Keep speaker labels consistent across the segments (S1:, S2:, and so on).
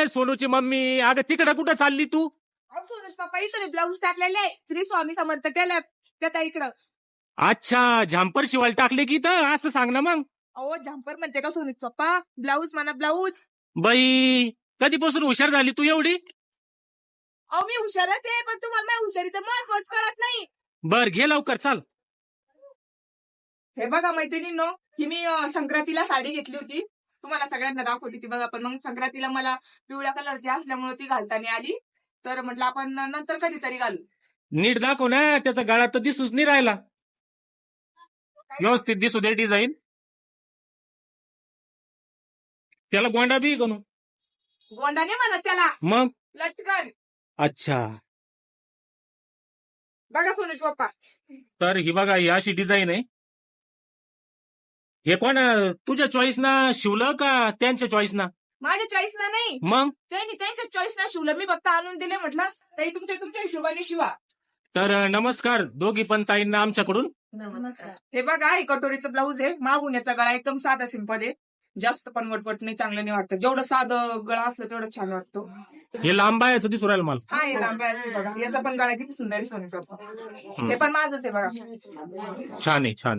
S1: अय सोनूची मम्मी, अगं तिकडे कुठं चालली तू?
S2: सोनूज पप्पा इथं ब्लाऊज टाकलेले श्री स्वामी समर्थ टेलर त्या इकडं.
S1: अच्छा, झॅम्पर शिवायला टाकले की तर असं सांग ना मग.
S2: अहो झंपर म्हणते का सोनूज पप्पा? ब्लाऊज म्हणा ब्लाऊज.
S1: बाई कधीपासून हुशार झाली तू एवढी?
S2: अहो मी हुशारच आहे, पण तुम्हाला माझ्या हुशारीचं महत्वच कळत नाही.
S1: बर घे लवकर चाल.
S2: हे बघा मैत्रिणींनो, ही मी संक्रांतीला साडी घेतली होती, तुम्हाला सगळ्यांना दाखवली होती बघा. पण मग संक्रांतीला मला पिवळ्या कलरची असल्यामुळे ती घालताना आली, तर म्हटलं आपण नंतर कधीतरी घालू.
S1: नीट दाखव ना, त्याचा गळा तर दिसूच नाही राहिला. व्यवस्थित दिसू दे डिझाईन. त्याला गोंडा बी करू.
S2: गोंडाने म्हणत त्याला,
S1: मग
S2: लटकन.
S1: अच्छा,
S2: बघा सोनूज पप्पा.
S1: तर ही बघा, ही अशी डिझाईन आहे. हे कोण तुझ्या चॉईस ना शिवलं का त्यांच्या चॉईस ना?
S2: माझ्या चॉईस ना नाही,
S1: मग
S2: त्यांनी त्यांच्या चॉईस ना शिवलं. मी फक्त आणून दिले, म्हटलं ताई तुमच्या हिशोबाने शिवा.
S1: तर नमस्कार दोघी पण ताईंना आमच्याकडून.
S2: नमस्कार. हे बघा, हे कटोरीचं ब्लाऊज आहे. मागून याचा गळा एकदम साधा सिंपल आहे, जास्त पण वटवट नाही, चांगलं नाही वाटतं. जेवढं साधं गळा असलं तेवढं छान वाटतो.
S1: हे लांब आहे दिसू राहिलं मला.
S2: हा, हे लांब आहे बघा. याचा पण गळा किती सुंदर आहे सोनूज पप्पा. हे पण माझंच आहे बघा.
S1: छान आहे, छान.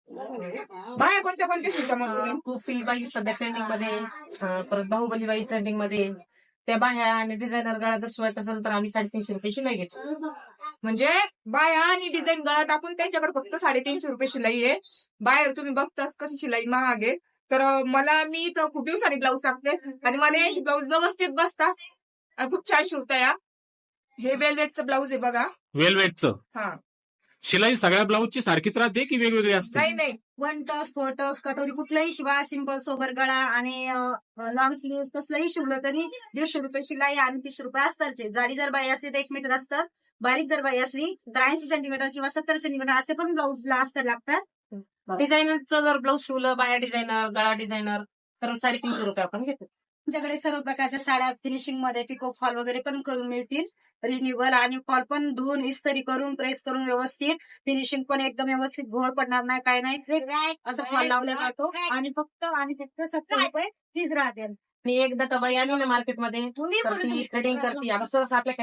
S2: बाया कोणत्या शिवता मग तुम्ही?
S3: कुफी बाई सध्या ट्रेंडिंग मध्ये, परत बाहुबली बाई ट्रेंडिंग मध्ये. त्या बाह्या आणि डिझायनर गळा जर शिवायचा असेल तर आम्ही 350 रुपये शिलाई घेतो.
S2: म्हणजे बाया आणि डिझाईन गळा टाकून त्यांच्याकडे फक्त 350 रुपये शिलाई आहे. बाहेर तुम्ही बघताच कशी शिलाई महाग आहे. तर मी तर खूप दिवसांनी ब्लाऊज टाकते आणि मला यांची ब्लाऊज व्यवस्थित बसतात आणि खूप छान शिवता या. हे वेलवेटचं ब्लाऊज आहे बघा.
S1: वेलवेटचं.
S2: हा,
S1: शिलाई सगळ्या ब्लाऊजची सारखीच राहते की वेगवेगळी असते?
S2: नाही नाही,
S4: 1 टक्स 4 टक्स कटोरी कुठलाही शिवा, सिंपल सोबर गळा आणि लॉंग स्लीव्ह कसलंही शिवलं तरी 150 रुपये शिलाई आणि 30 रुपये अस्तरचे. जाडी जर बाई असली तर 1 मीटर असतं, बारीक जर बाई असली तर 80 सेंटीमीटर किंवा 70 सेंटीमीटर असे पण ब्लाऊजला अस्तर लागतात.
S3: डिझायनरचं जर ब्लाऊज शिवलं, बाह्या डिझायनर, गळा डिझायनर, तर 350 रुपये आपण घेतो.
S4: तुमच्याकडे सर्व प्रकारच्या साड्या फिनिशिंग मध्ये पिको फॉल वगैरे पण करून मिळतील रिजनेबल, आणि फॉल पण धुवून इस्त्री करून प्रेस करून व्यवस्थित, फिनिशिंग पण एकदम व्यवस्थित, घोळ पडणार नाही, काय नाही, असं फॉल लावला जातो. आणि फक्त 70 रुपये फीज राहते.
S3: आणि एकदा तर बाई आली ना मार्केटमध्ये तर ती थ्रेडिंग करते. आता सहसा आपल्या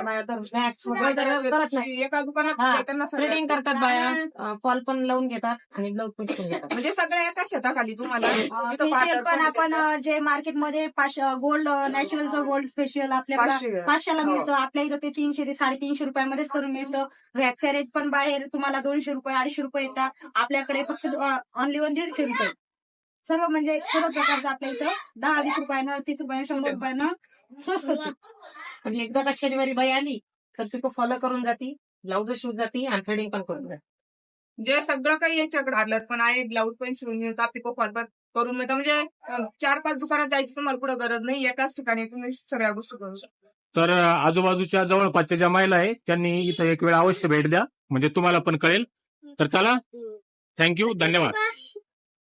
S3: खेड्यात
S2: एका दुकानात
S3: थ्रेडिंग करतात बाया, फॉल पण लावून घेतात आणि ब्लाऊज पण शिवून घेतात.
S2: म्हणजे सगळ्या एका छताखाली तुम्हाला.
S4: फेशियल पण आपण जे मार्केटमध्ये गोल्ड नॅचरलचं गोल्ड फेशियल आपल्याला 500ला मिळतं, आपल्या इथं ते 300 ते 350 रुपयामध्येच करून मिळतं. व्हॅक्स पण बाहेर तुम्हाला 200 रुपये 250 रुपये येतात, आपल्याकडे फक्त ऑनली 150 रुपये. सर्व म्हणजे सर्व प्रकारचं आपल्या इथं 10-20 रुपयानं, 30 रुपयानं, 100 रुपयानं स्वस्तच.
S3: आणि एकदा का शनिवारी बाई आली तर ती फॉलो करून जाती, ब्लाऊज शिवून जाती आणि थ्रेडिंग पण करून जाते.
S2: जे सगळं काही यांच्याकडे आलं पण आहे. ब्लाऊज पण शिवून मिळतात, पिको फॉल पण करून मिळतात. म्हणजे 4-5 दुकानात जायची तुम्हाला पुढे गरज नाही, एकाच ठिकाणी तुम्ही सगळ्या गोष्टी करू शकता.
S1: तर आजूबाजूच्या जवळपासच्या ज्या महिला आहे त्यांनी इथं एक वेळ अवश्य भेट द्या, म्हणजे तुम्हाला पण कळेल. तर चला, थँक्यू, धन्यवाद.